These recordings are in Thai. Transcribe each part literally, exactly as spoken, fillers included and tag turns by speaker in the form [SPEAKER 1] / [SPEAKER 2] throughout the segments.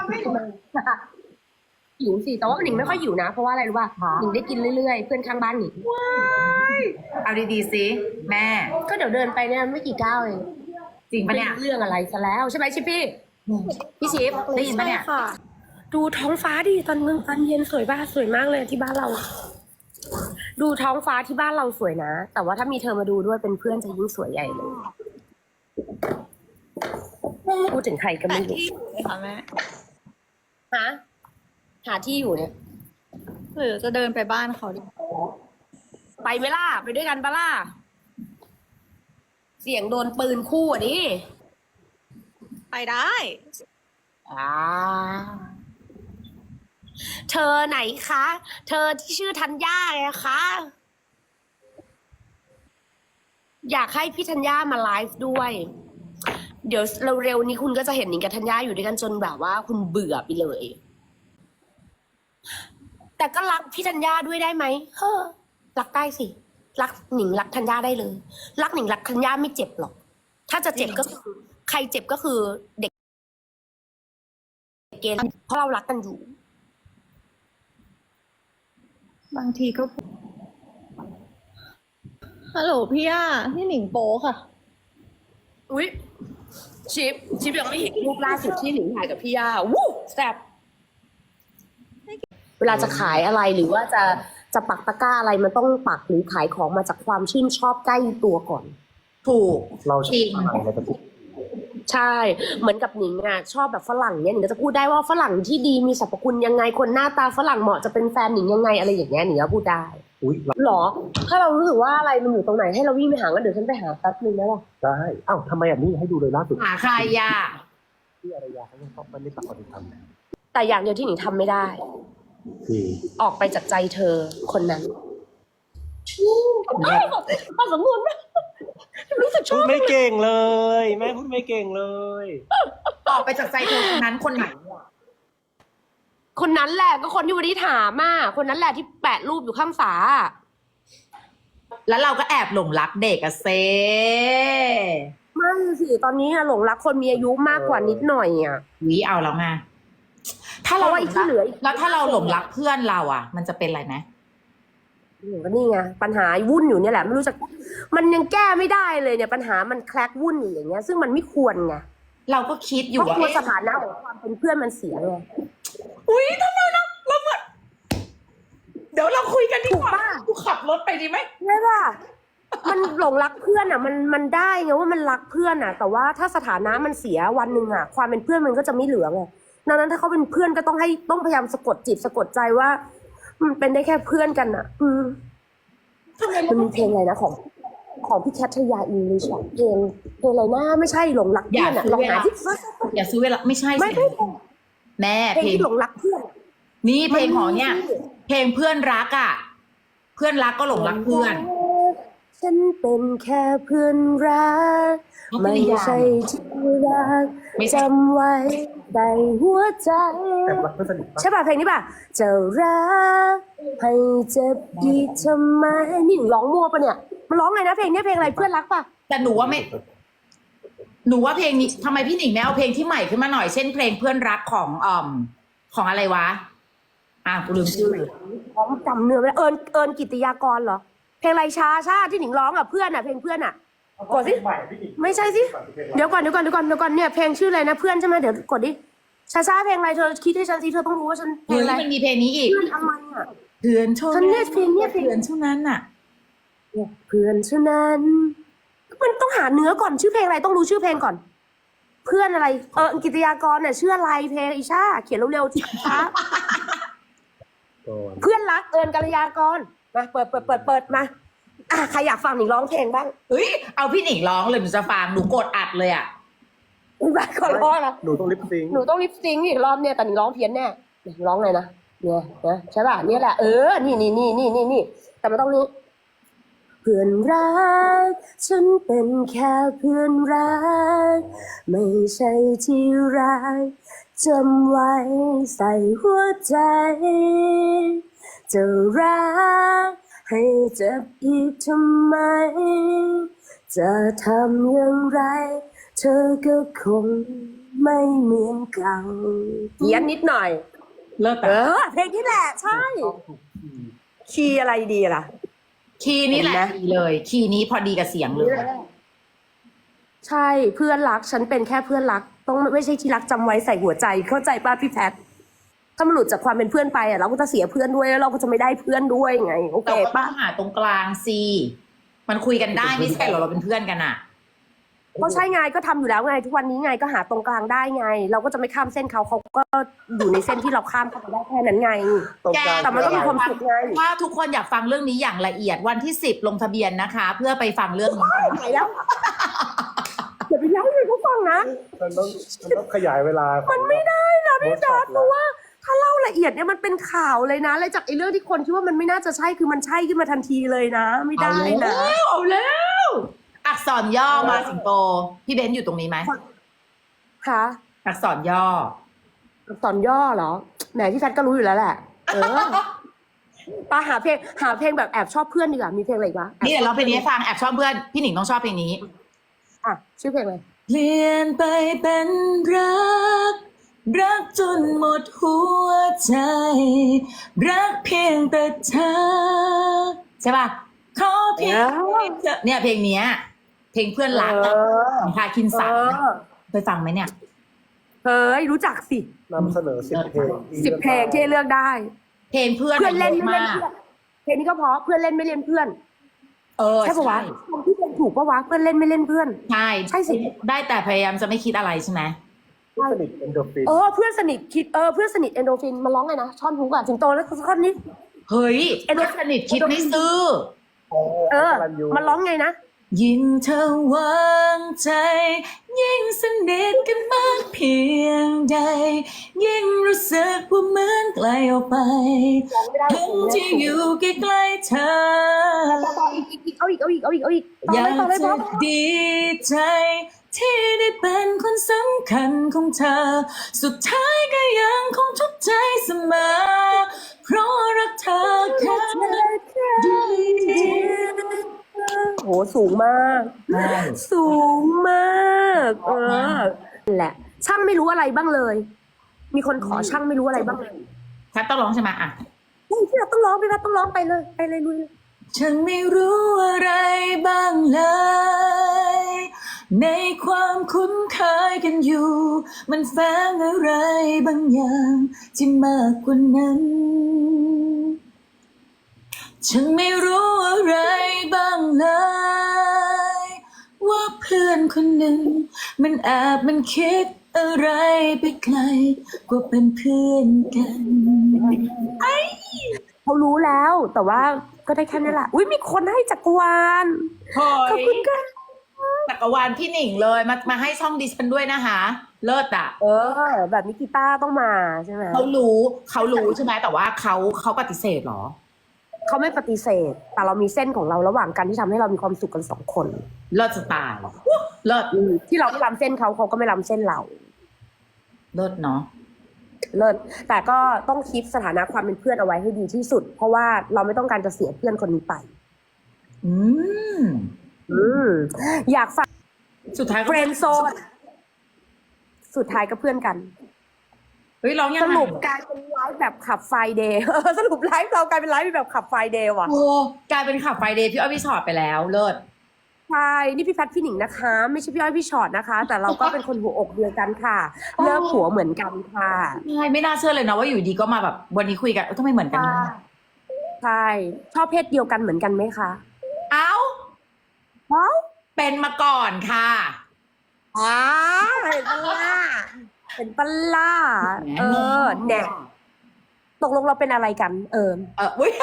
[SPEAKER 1] ทำไมหิวสิแต่ว่าหนิงไม่ค่อยหิวนะเพราะว่าอะไรรู้ป่ะหนิงได้กินเรื่อยๆเพื่อนข้างบ้านหนิง
[SPEAKER 2] เอาดีๆสิแม่
[SPEAKER 1] ก็เดี๋ยวเดินไปเนี่ยไม่กี่ก้าวเอง
[SPEAKER 2] จริงปะเนี่ย
[SPEAKER 1] เรื่องอะไรซะแล้วใช่ไหมชิปพี่พี่ชิป
[SPEAKER 2] ได้ยินปะเนี่ย
[SPEAKER 1] ค่ะ ดูท้องฟ้าดิตอนกลางตอนเย็นสวยบ้าสวยมากเลยที่บ้านเรา ดูท้องฟ้าที่บ้านเราสวยนะแต่ว่าถ้ามีเธอมาดูด้วยเป็นเพื่อนจะยิ่งสวยใหญ่เลยพูดถึงใครก็ไม่รู้
[SPEAKER 3] ที่เลยค่ะแม่
[SPEAKER 1] ฮะหาที่อยู่เนี่ย
[SPEAKER 3] หรือจะเดินไปบ้านเขาดิ
[SPEAKER 1] ไปไหมล่ะไปด้วยกันปะล่ะเสียงโดนปืนคู่อ่ะดิ
[SPEAKER 3] ไปได้
[SPEAKER 1] อ่าเธอไหนคะ เธอที่ชื่อธัญญาไงคะ อยากให้พี่ธัญญามาไลฟ์ด้วย เดี๋ยวเร็วๆนี้คุณก็จะเห็นหนิงกับธัญญาอยู่ด้วยกันจนแบบว่าคุณเบื่อไปเลย แต่ก็รักพี่ธัญญาด้วยได้ไหมเฮ้อรักได้สิ รักหนิงรักธัญญาได้เลย รักหนิงรักธัญญาไม่เจ็บหรอก ถ้าจะเจ็บก็คือใครเจ็บก็คือเด็กเกณฑ์เพราะเรารักกันอยู่
[SPEAKER 3] บางทีก็ฮัลโหลพี่ย่าพี่หนิงโป๊ค่ะ
[SPEAKER 1] อุ๊ยชิปชิปยังไม่เห็นรูปล่าสุดที่หนิงถ่ายกับพี่ย่าวู้แซ่บเวลาจะขายอะไรหรือว่าจะจะปักตะกร้าอะไรมันต้องปักหรือขายของมาจากความชื่นชอบใกล้ตัวก่อน
[SPEAKER 2] ถูก
[SPEAKER 4] เรา
[SPEAKER 2] จริง
[SPEAKER 4] อะไรเราจะพูด
[SPEAKER 1] ใช่ เหมือนกับหนิงอ่ะชอบแบบฝรั่งเนี่ยหนิงก็จะพูดได้ว่าฝรั่งที่ดีมีสรรพคุณยังไงคนหน้าตาฝรั่งเหมาะจะเป็นแฟนหนิงยังไงอะไรอย่างเงี้ยหนิงก็พูดได้
[SPEAKER 4] อุ้ย
[SPEAKER 1] หรอ ถ้าเรารู้สึกว่าอะไรมันอยู่ตรงไหนให้เราวิ่งไปหากันเดี๋ยวฉันไปหาแป๊บนึงได้ป่ะ
[SPEAKER 4] ได้อ้าวทำไมอ่ะนี่ให้ดูเลยล่าสุด
[SPEAKER 2] หาใครย่า
[SPEAKER 4] ที่อารยาเขายังต้องมันไม่ตัดความเป็นธรรม
[SPEAKER 1] แต่อย่างเดียวที่หนิงทำไม่ได้
[SPEAKER 4] คือ
[SPEAKER 1] ออกไปจากใจเธอคนนั้นพอสมบูรณ์รู้สึกช
[SPEAKER 4] พู
[SPEAKER 1] อ
[SPEAKER 4] ด
[SPEAKER 1] บ
[SPEAKER 4] ไม่เก่งเลยแม่พูดไม่เก่งเลย
[SPEAKER 2] ออกไปจากใจเธอคนนั้นคนไหนอะ
[SPEAKER 1] คนนั้นแหละก็คนที่วันนี้ถามอ่ะคนนั้นแหละที่แปะรูปอยู่ข้างฝา
[SPEAKER 2] แล้วเราก็แอบหลงรักเด็กอะเซ
[SPEAKER 1] ไม่สิตอนนี้อะหลงรักคนมีอายุมากกว่านิดหน่อยอ่ะ
[SPEAKER 2] วิเอาแล้วไงถ้า
[SPEAKER 1] เพ
[SPEAKER 2] เรา
[SPEAKER 1] ราะว่าไอ้ที่เหลืออีก
[SPEAKER 2] แล้วถ้าเราหลงรักเพื่อนเราอ่ะ มันจะเป็นอะไรไหม
[SPEAKER 1] หนูก็นี่ไงปัญหาวุ่นอยู่เนี่ยแหละไม่รู้จะมันยังแก้ไม่ได้เลยเนี่ยปัญหามันแคลกวุ่นอยู่อย่างเงี้ย ซึ่งมันไม่ควรไง
[SPEAKER 2] เราก็คิดอ
[SPEAKER 1] เพ
[SPEAKER 2] ยู่
[SPEAKER 1] ราะ
[SPEAKER 2] ว่าก
[SPEAKER 1] ลัวส
[SPEAKER 2] เอ๊ะ
[SPEAKER 1] ถานะของความเป็นเพื่อนมันเสียไง
[SPEAKER 2] อุ้ยทำไมเราเราเหมือนเดี๋ยวเราคุยกันดีกว่า
[SPEAKER 1] ถูกปะ
[SPEAKER 2] กูขับรถไปดีไหม
[SPEAKER 1] ใช่ป่ะมันหลงรักเพื่อนอ่ะ มันมันได้ไงว่ามันรักเพื่อนอ่ะ แต่ว่าถ้าสถานะมันเสียวันหนึ่งอ่ะ ความเป็นเพื่อนมันก็จะไม่เหลือไงดังนั้นถ้าเขาเป็นเพื่อนก็ต้องให้ต้องพยายามสะกดจิตสะกดใจว่ามันเป็นได้แค่เพื่อนกันอ่ะ อืมมันมีเพลงอะไรนะของ ของพี่แคทริยาอิงลิชอะเพลงเพลงอะไรนะไม่ใช่หลงรัก
[SPEAKER 2] อ
[SPEAKER 1] เพื่
[SPEAKER 2] ย่า
[SPEAKER 1] อนอ่ะ
[SPEAKER 2] ซื้อ
[SPEAKER 1] ลอง
[SPEAKER 2] เว
[SPEAKER 1] หา
[SPEAKER 2] ลา
[SPEAKER 1] ที่
[SPEAKER 2] อย่าซื้อเวลาไม่ใช่
[SPEAKER 1] ไม่
[SPEAKER 2] สิ
[SPEAKER 1] ไม่
[SPEAKER 2] แม่
[SPEAKER 1] เพลง
[SPEAKER 2] เพลง
[SPEAKER 1] ที่หลงรักเพื่อน
[SPEAKER 2] นี่เพลงของเนี่ย เพลงเพื่อนรักอ่ะ เพื่อนรักก็หลงรักเพื่อน
[SPEAKER 1] ฉันเป็นแค่เพื่อนรัก ไม่ใช่ที่รัก
[SPEAKER 2] ไม่ใช่
[SPEAKER 1] จำไว้ในหัวใจ
[SPEAKER 4] แต่รักเพื่อนสนิทปะ
[SPEAKER 1] ใช่ป่ะเพลงนี้ป่ะจะรักให้เจ็บอีกทำไมนี่หนูร้องมั่วปะเนี่ยมันร้องไงนะเพลงเนี้ยเพลงอะไรเพื่อนรักป่ะ
[SPEAKER 2] แต่หนูว่าไม่ หนูว่าเพลงนี้ทำไมพี่หนิงไม่เอาเพลงที่ใหม่ขึ้นมาหน่อย เช่นเพลงเพื่อนรักของอ่อมของอะไรวะ อ่ะกูลืมชื่อ
[SPEAKER 1] ร้องจำเนื้อไม่ได้เอิญเอิญกิตติยากรเหรอเพลงไรชาชาที่หนิงร้องอ่ะเพื่อนอ่ะเพลงเพื่อนอ่ะกดสิไม่ใช่สิเดี๋ยวก่อนเดี๋ยวก่อนเดี๋ยวก่อนเดี๋ยวก่อนเนี่ยเพลงชื่ออะไรนะเพื่อนใช่ไหมเดี๋ยวกดดิชาชาเพลงอะไรเธอคิดให้ฉันสิเธอต้องรู้ว่าฉันเพล
[SPEAKER 2] เฮ้
[SPEAKER 1] ง
[SPEAKER 2] ย
[SPEAKER 1] อะไร
[SPEAKER 2] มันมีเพลงนี้อีก
[SPEAKER 1] เพื่อนอะไรอ่ะ
[SPEAKER 2] เพื่อนเท่า
[SPEAKER 1] ฉันเนี่ยเพลงเนี่ยเพลง
[SPEAKER 2] เพื่อนเท่านั้นน่ะ
[SPEAKER 1] เพื่อนเท่านั้นมันต้องหาเนื้อก่อนชื่อเพลงอะไรต้องรู้ชื่อเพลงก่อน เพื่อนอะไรเออกิตติยากรเนี่ยชื่ออะไรเพลงอีชาเขียนเร็วๆที่ช้า
[SPEAKER 4] ก่อน
[SPEAKER 1] เพื่อนรักเอิญกัลยากรมาเปิดเปิดเปิดเปิดมาอ่ะใครอยากฟังหนิงร้องเพลงบ้าง
[SPEAKER 2] เฮ้ย เอาพี่หนิงร้องเลยหนูจะฟังหนูกดอัดเลยอ่ะ
[SPEAKER 1] มาขอร้องนะ
[SPEAKER 4] หนูต้องลิปซิงค์
[SPEAKER 1] หนูต้องลิปซิงค์อีกรอบเนี่ยแต่หนิงร้องเพี้ยนแน่หนิงร้องเลยนะเนี่ยนะใช่ป่ะเนี่ยแหละเออนี่นี่นี่นี่นี่นี่แต่มันต้องนี้เพื่อนรักฉันเป็นแค่เพื่อนรักไม่ใช่ที่รักจำไว้ใส่หัวใจจะรักให้เจ็บอีกทำไม จะทำอย่างไร เธอก็คงไม่เหมือนเก่าเขียนนิดหน่อย
[SPEAKER 2] เลิศ
[SPEAKER 1] เอ
[SPEAKER 2] อะ
[SPEAKER 1] อ เพลงนี้แหละ ใช่
[SPEAKER 4] ต้องถูกคีย์
[SPEAKER 1] คีย์อะไรดีล่ะ
[SPEAKER 2] คีย์นี้แหละ
[SPEAKER 1] เห็นไหม
[SPEAKER 2] ดีเลย คีย์นี้พอดีกับเสียงเลย
[SPEAKER 1] ใช่เพื่อนรักฉันเป็นแค่เพื่อนรัก ต้องไม่ใช่ที่รักจำไว้ใส่หัวใจเข้าใจป้าพี่แพทถ้ามันหลุดจากความเป็นเพื่อนไปอ่ะเราก็จะเสียเพื่อนด้วยแล้วเราก็จะไม่ได้เพื่อนด้วยไงโอเค
[SPEAKER 2] เราก็ต้
[SPEAKER 1] ป้า
[SPEAKER 2] องหาตรงกลางสิมันคุยกันได้ไม่ใช่เหรอเราเป็นเพื่อนกันอะ
[SPEAKER 1] ก็ใช่ไงก็ทำอยู่แล้วไง ทุกวันนี้ไงก็หาตรงกลางได้ไง เราก็จะไม่ข้ามเส้นเขาเขาก็อยู่ในเส้นที่เราข้ามเข้าไปได้แค่นั้นไง
[SPEAKER 4] ตรงกลาง
[SPEAKER 1] แต่มันก็มีความสุขไง
[SPEAKER 2] ถ้าทุกคนอยากฟังเรื่องนี้อย่างละเอียดวันที่สิบลงทะเบียนนะคะ เพื่อไปฟังเรื่องนี้
[SPEAKER 1] ไหนแล้วเดี๋ยวไปเล่าให้เขาฟังนะ
[SPEAKER 4] มันต้องมันต้องขยายเวลามั
[SPEAKER 1] มันไม่ได้นะพี่แพทเพ
[SPEAKER 4] แล้
[SPEAKER 1] ราะ
[SPEAKER 4] ว
[SPEAKER 1] ว่าถ้าเล่าละเอียดเนี่ยมันเป็นข่าวเลยนะเลยจากไอ้เรื่องที่คนคิดว่ามันไม่น่าจะใช่คือมันใช่ขึ้นมาทันทีเลยนะ ไม่ได้นะ
[SPEAKER 2] เอาแล้วอักษรย่อมาสิงโตพี่เบนซ์อยู่ตรงนี้ไหม
[SPEAKER 1] ค่ะ
[SPEAKER 2] อักษรย่อ
[SPEAKER 1] อักษรย่อเหรอแหมพี่แพทก็รู้อยู่แล้วแหละ เออปาหาเพลงหาเพลงแบบแอบชอบเพื่อนดีกว่ามีเพลงอะไรอีกวะ
[SPEAKER 2] นี่เดี๋ยวเราเพลงนี้ให้ฟังแอบชอบเพื่อนพี่หนิงต้องชอบเพลงนี้
[SPEAKER 1] อ่ะชื่อเพลงอะไร
[SPEAKER 2] เปลี่ยนไปเป็นรัก รักจนหมดหัวใจ รักเพียงแต่เธอใช่ป่ะขอเพียงเธอเนี่ยเพลงเนี้ย เพลงเพื่อนรัก
[SPEAKER 1] เอ
[SPEAKER 2] อะ
[SPEAKER 1] อ
[SPEAKER 2] ของพาคินสัน
[SPEAKER 1] เออ
[SPEAKER 2] ไปฟังไหมเนี่ย
[SPEAKER 1] เฮ้ยรู้จักสิ
[SPEAKER 4] นำเสนอสิบเพลง
[SPEAKER 1] สิบเพลงที่ให้เลือกได้
[SPEAKER 2] เพลงเพื่อน
[SPEAKER 1] เพื่อนเล่น
[SPEAKER 2] ยะ
[SPEAKER 1] ไม่เล่น
[SPEAKER 2] มาก
[SPEAKER 1] เพื่อนเพลงนี้ก็เพราะเพื่อนเล่นไม่เล่นเพื่อน
[SPEAKER 2] เออ
[SPEAKER 1] ใช่ปะวะคนที่เพลงถูกปะวะเพื่อนเล่นไม่เล่นเพื่อน
[SPEAKER 2] ใช่
[SPEAKER 1] ใช่สิ
[SPEAKER 2] ได้แต่พยายามจะไม่คิดอะไรใช่ไหม
[SPEAKER 4] เพื่อนสนิทเอนโดรฟิน
[SPEAKER 1] เออเพื่อนสนิทคิดเออเพื่อนสนิทเอนโดรฟินมาร้องไงนะช่อนฮุกอะถึงโตแล้วท่อนนี้
[SPEAKER 2] เฮ้ยเพื่อนสนิทคิดไม่ซื่อ
[SPEAKER 1] เออ
[SPEAKER 4] รันยู
[SPEAKER 1] มันร้องไงนะ
[SPEAKER 2] ยิ่งเธอวางใจ ยิ่งสนิทกันมากเพียงใด ยิ่งรู้สึกว่าเหมือนไกลออกไปถึงที่อยู่ใกล้ๆเธอ
[SPEAKER 1] ต่ออีกอีกอีกเอาอีกเอาอีกเอาอีกเอาอีกต่อ
[SPEAKER 2] อยา
[SPEAKER 1] เลย
[SPEAKER 2] ก
[SPEAKER 1] ต่อเลย
[SPEAKER 2] จะ
[SPEAKER 1] พ่อ
[SPEAKER 2] ดีใจ ที่ได้เป็นคนสำคัญของเธอ สุดท้ายก็ยังคงทุกข์ใจเสมอ เพราะรักเธอแค่ดี
[SPEAKER 1] โหสูงมาก สูงมากเออนั่นแหละ ช่างไม่รู้อะไรบ้างเลย มีคนขอช่างไม่รู้อะไรบ้างเลย
[SPEAKER 2] แคทต้องร้องใช่ไหมอ่ะ
[SPEAKER 1] พี่เราต้องร้องพี่เราต้องร้องไปเลยไปเลยลุยเลย
[SPEAKER 2] ฉันไม่รู้อะไรบ้างเลย ในความคุ้นเคยกันอยู่ มันแฝงอะไรบางอย่างที่มากกว่านั้น ฉันไม่รู้อะไรบ้างเลย ว่าเพื่อนคนหนึ่ง มันแอบมันคิดอะไรไปไกลกว่าเป็นเพื่อนกัน
[SPEAKER 1] เขารู้แล้ว แต่ว่าก็ได้แค่นี้แหละอุ้ยมีคนให้จักรวาล
[SPEAKER 2] เฮ้
[SPEAKER 1] ขอบ
[SPEAKER 2] ย
[SPEAKER 1] คุณค่ะ
[SPEAKER 2] จักรวาลพี่หนิงเลยมามาให้ช่องดิฉันด้วยนะคะ เลิศอ่ะ
[SPEAKER 1] เออ แบบนี้กีตาร์ต้องมาใช่ไหม
[SPEAKER 2] เขารู้เขารู้ใช่ไหมแต่ว่าเขาเขาปฏิเสธเหรอ
[SPEAKER 1] เขาไม่ปฏิเสธ แต่เรามีเส้นของเราระหว่างกันที่ทำให้เรามีความสุขกันสองคน
[SPEAKER 2] เลิศสไตล์เลิศ
[SPEAKER 1] อืมที่เราไม่ล้ำเส้นเขาเขาก็ไม่ล้ำเส้นเรา
[SPEAKER 2] เลิศเนาะ
[SPEAKER 1] เลิศแต่ก็ต้องคิดสถานะความเป็นเพื่อนเอาไว้ให้ดีที่สุด เพราะว่าเราไม่ต้องการจะเสียเพื่อนคนนี้ไป
[SPEAKER 2] อืม
[SPEAKER 1] อืมอยากฝาก
[SPEAKER 2] สุดท้ายก็
[SPEAKER 1] เฟรนด์โซนสุดท้ายก็เพื่อนกัน
[SPEAKER 2] เฮ้ยร้องยัง
[SPEAKER 1] ส
[SPEAKER 2] ไง
[SPEAKER 1] รุปกลายเป็นไลฟ์แบบขับไฟเดย์ สรุปไลฟ์เรากลายเป็นไลฟ์แบบขับไฟเดย์ว่ะ
[SPEAKER 2] โอ้กลายเป็นขับไฟเดย์พี่อ้อยพี่ชอตไปแล้วเลิศ
[SPEAKER 1] ใช่นี่พี่แพทพี่หนิงนะคะ ไม่ใช่พี่อ้อยพี่ชอตนะคะ แต่เราก็เป็นคนหัวอกเดียวกันค่ะเลิกหัวเหมือนกันค่ะ
[SPEAKER 2] ใช่ไม่น่าเชื่อเลยนะว่าอยู่ดีก็มาแบบวันนี้คุยกันเอ้าทำไมเหมือนกัน
[SPEAKER 1] ใช่ใช่ชอบเพศเดียวกันเหมือนกันไหมคะ
[SPEAKER 2] เอ้า
[SPEAKER 1] เอ้า
[SPEAKER 2] เป็นมาก่อนค่ะ
[SPEAKER 1] อ๋อเห็นปะล่ะเห็นปะล่ะเออแน่ตกลงเราเป็นอะไรกัน เออ
[SPEAKER 2] เอออุ้ย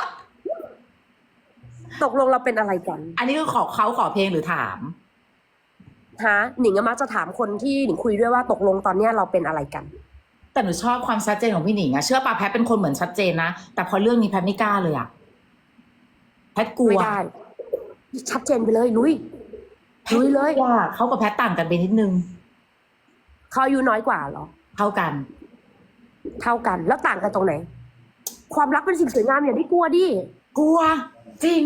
[SPEAKER 1] ตกลงเราเป็นอะไรกัน
[SPEAKER 2] อันนี้คือขอเขาขอเพลงหรือถาม
[SPEAKER 1] ฮะหนิงก็มักจะถามคนที่หนิงคุยด้วยว่าตกลงตอนเนี้ยเราเป็นอะไรกัน
[SPEAKER 2] แต่หนูชอบความชัดเจนของพี่หนิงอะเชื่อป่ะแพทเป็นคนเหมือนชัดเจนนะแต่พอเรื่องนี้แพทไม่กล้าเลยอะแพทกลัว
[SPEAKER 1] ไม่ได้ ชัดเจนไปเลยลุย
[SPEAKER 2] แพท
[SPEAKER 1] ลุยเลย
[SPEAKER 2] กลัวเขากับแพทต่างกันไปนิดนึง
[SPEAKER 1] เขาอายุน้อยกว่าเหรอ
[SPEAKER 2] เท่ากัน
[SPEAKER 1] เท่ากันแล้วต่างกันตรงไหน ความรักเป็นสิ่งสวยงามอย่าได้กลัวดิ
[SPEAKER 2] กลัว จริง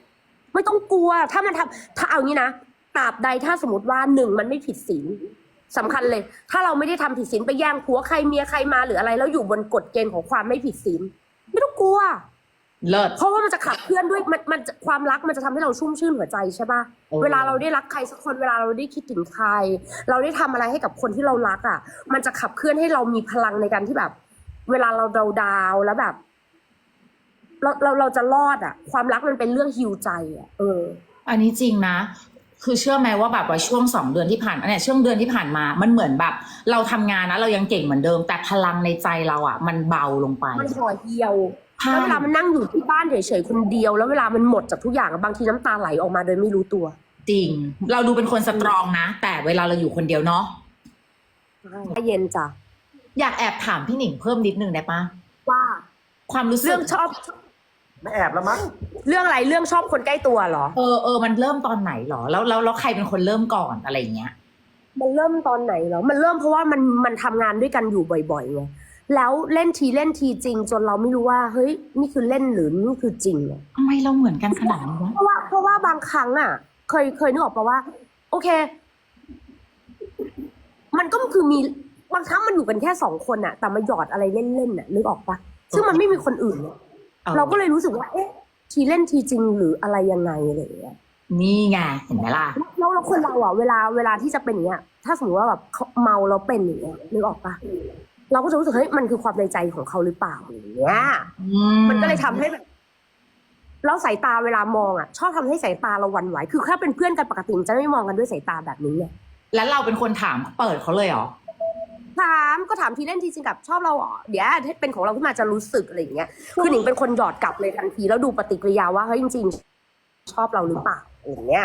[SPEAKER 1] ไม่ต้องกลัว ถ้ามันทำถ้าเอางี้นะตราบใดถ้าสมมติว่าหนึ่งมันไม่ผิดศีลสำคัญเลย ถ้าเราไม่ได้ทำผิดศีลไปแย่งผัวใครเมียใครมาหรืออะไร แล้วอยู่บนกฎเกณฑ์ของความไม่ผิดศีลไม่ต้องกลัว
[SPEAKER 2] เลิศ
[SPEAKER 1] เพราะว่ามันจะขับเคลื่อนด้วยมันมันจะความรักมันจะทำให้เราชุ่มชื่นหัวใจใช่ปะ
[SPEAKER 2] เออ
[SPEAKER 1] เวลาเราได้รักใครสักคนเวลาเราได้คิดถึงใคร เราได้ทำอะไรให้กับคนที่เรารักอ่ะ มันจะขับเคลื่อนให้เรามีพลังในการที่แบบ เวลาเราดาวดาวๆแล้วแบบ เราเราเราจะรอดอ่ะ ความรักมันเป็นเรื่องฮิวใจอ่ะเออ
[SPEAKER 2] อันนี้จริงนะ คือเชื่อไหมว่าแบบว่าช่วงสองเดือนที่ผ่านมาเนี่ยช่วงเดือนที่ผ่านมา มันเหมือนแบบ เราทำงานนะเรายังเก่งเหมือนเดิม แต่พลังในใจเราอ่ะ มันเบาลงไป
[SPEAKER 1] มันห่อเหี่ยว
[SPEAKER 2] ใช่
[SPEAKER 1] แล้วเวลามันนั่งอยู่ที่บ้านเฉยๆคนเดียว แล้วเวลามันหมดจากทุกอย่างอะบางทีน้ำตาไหลออกมาโดยไม่รู้ตัว
[SPEAKER 2] จริง เราดูเป็นคนสตรองนะ แต่เวลาเราอยู่คนเดียวเนาะ
[SPEAKER 1] เย็นจ้ะ
[SPEAKER 2] อยากแอบถามพี่หนิงเพิ่มนิดนึงได้ปะ
[SPEAKER 1] ว่า
[SPEAKER 2] ความรู้สึก
[SPEAKER 1] เรื่องชอบ
[SPEAKER 4] ไม่แอบแล้วมั้ง
[SPEAKER 1] เรื่องอะไรเรื่องชอบคนใกล้ตัวเหรอ
[SPEAKER 2] เออเออมันเริ่มตอนไหนหรอ แล้วแล้วแล้วใครเป็นคนเริ่มก่อนอะไรอย่างเงี้ย
[SPEAKER 1] มันเริ่มตอนไหนเหรอ มันเริ่มเพราะว่ามันมันทำงานด้วยกันอยู่บ่อยๆไง แล้วเล่นทีเล่นทีจริง จนเราไม่รู้ว่า เฮ้ย นี่คือเล่นหรือนี่คือจริงอะ
[SPEAKER 2] ทำไมเราเหมือนกันขนาดนี้วะ
[SPEAKER 1] เพราะว่าเพราะว่าบางครั้งอ่ะ เคยเคยนึกออกปะว่า โอเค มันก็คือมีบางครั้งมันอยู่กันแค่สองคนอ่ะ แต่มาหยอดอะไรเล่นๆอ่ะนึกออกปะซึ่งมันไม่มีคนอื่นอะเราก็เลยรู้สึกว่า เอ๊ะ ทีเล่นทีจริงหรืออะไรยังไงอะไรอย่างเงี้ย
[SPEAKER 2] นี่ไงเห็นไหมล่ะ
[SPEAKER 1] แล้วแล้วคนเราอ่ะเวลาเวลาที่จะเป็นอย่างเงี้ย ถ้าสมมติว่าแบบเขาเมาแล้วเป็นอย่างเงี้ยนึกออกปะเราก็จะรู้สึกเฮ้ยมันคือความในใจของเขาหรือเปล่าอย่างเงี้ย มันก็เลยทำให้แบบแล้วสายตาเวลามองอ่ะ ชอบทำให้สายตาเราหวั่นไหวคือถ้าเป็นเพื่อนกันปกติมันจะไม่มองกันด้วยสายตาแบบนี้ไง
[SPEAKER 2] แล้วเราเป็นคนถามเปิดเขาเลยเหรอ
[SPEAKER 1] ถามก็ถามทีเล่นทีจริงกับชอบเราเหรอเดี๋ยวถ้าเป็นของเราขึ้นมาจะรู้สึกอะไรอย่างเงี้ยคือหนิงเป็นคนหยอดกลับเลยทันทีแล้วดูปฏิกิริยาว่าเฮ้ยจริงๆชอบเราหรือเปล่าอย่างเงี้ย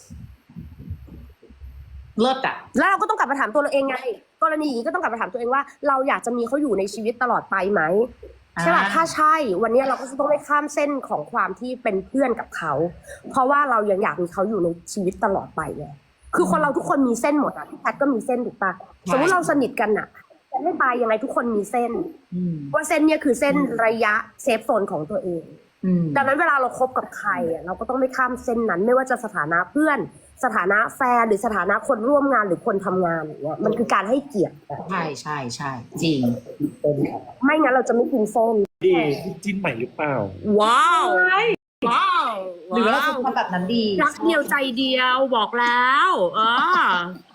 [SPEAKER 2] เลิศอ่ะ
[SPEAKER 1] แล้วเราก็ต้องกลับมาถามตัวเราเองไง กรณีอย่างนี้ก็ต้องกลับมาถามตัวเองว่า เราอยากจะมีเขาอยู่ในชีวิตตลอดไปไหมใช่ป่ะ
[SPEAKER 2] อ่า
[SPEAKER 1] ถ้าใช่ วันนี้เราก็จะต้องไม่ข้ามเส้นของความที่เป็นเพื่อนกับเขา เพราะว่าเรายังอยากมีเขาอยู่ในชีวิตตลอดไปไงคือคนเราทุกคนมีเส้นหมดอ่ะพี่แพทก็มีเส้นถูกปะสมมติเราสนิทกันอ่ะจะไม่ตายยังไงทุกคนมีเส้น
[SPEAKER 2] อืม
[SPEAKER 1] ว่าเส้นเนี่ยคือเส้นระยะเซฟโซนของตัวเอง
[SPEAKER 2] อืม
[SPEAKER 1] ดังนั้นเวลาเราคบกับใครอ่ะเราก็ต้องไม่ข้ามเส้นนั้น ไม่ว่าจะสถานะเพื่อน สถานะแฟนหรือสถานะคนร่วมงานหรือคนทำงานอย่างเงี้ยมันคือการให้เกียรติอะ
[SPEAKER 2] ใช่ใช่ใช่จริง
[SPEAKER 1] ไม่งั้นเราจะไม่กินเส้น
[SPEAKER 4] ดีจิ้นใหม่หรือเปล่า
[SPEAKER 1] ว้าวว้าว
[SPEAKER 2] หรือว่าเราควรทำแบบนั้นดี
[SPEAKER 1] รักเดียวใจเดียวบอกแล้วเออ